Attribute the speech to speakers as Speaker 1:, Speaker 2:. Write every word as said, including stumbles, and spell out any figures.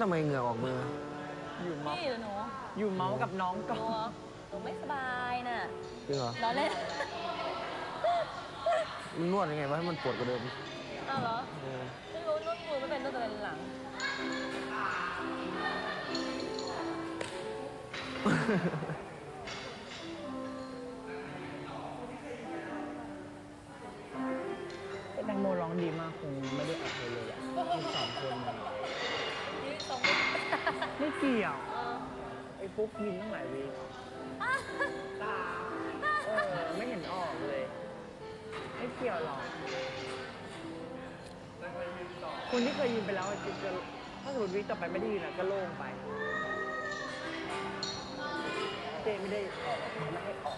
Speaker 1: ทำไมเหงื่อออกมือ
Speaker 2: อยู่เมาส์
Speaker 3: พี่หรือหนู
Speaker 2: อยู่เมาส์กับน้องก่อ
Speaker 3: หนู
Speaker 2: น
Speaker 3: หนูไม่สบายน่ะ
Speaker 1: จริงเหรอ
Speaker 3: ร้อนเล่น
Speaker 1: มึงนวดยังไงวะให้มันปวดกว่าเดิม
Speaker 3: อ้าวเหรอไม่รู้นวดมือไม่เป็นนวดแต่เป็นหลัง
Speaker 2: แตงโมร้องดีมากคงไม่ได้อัดเลยเลยอ่ะมีสองคนเลย
Speaker 3: ยืดตรง
Speaker 2: ไม่เกี่ยว
Speaker 3: เออ
Speaker 2: ไอ้ฟุกยินตั้งหลายวีตาเออไม่เห็นออกเลยไม่เกี่ยวหรอกคนที่เคยยินไปแล้วจริงๆถ้าสมมติวิต่อไปไม่ได้ยินอ่ะก็โล่งไปเจไม่ได้ออกไม่ให้ออก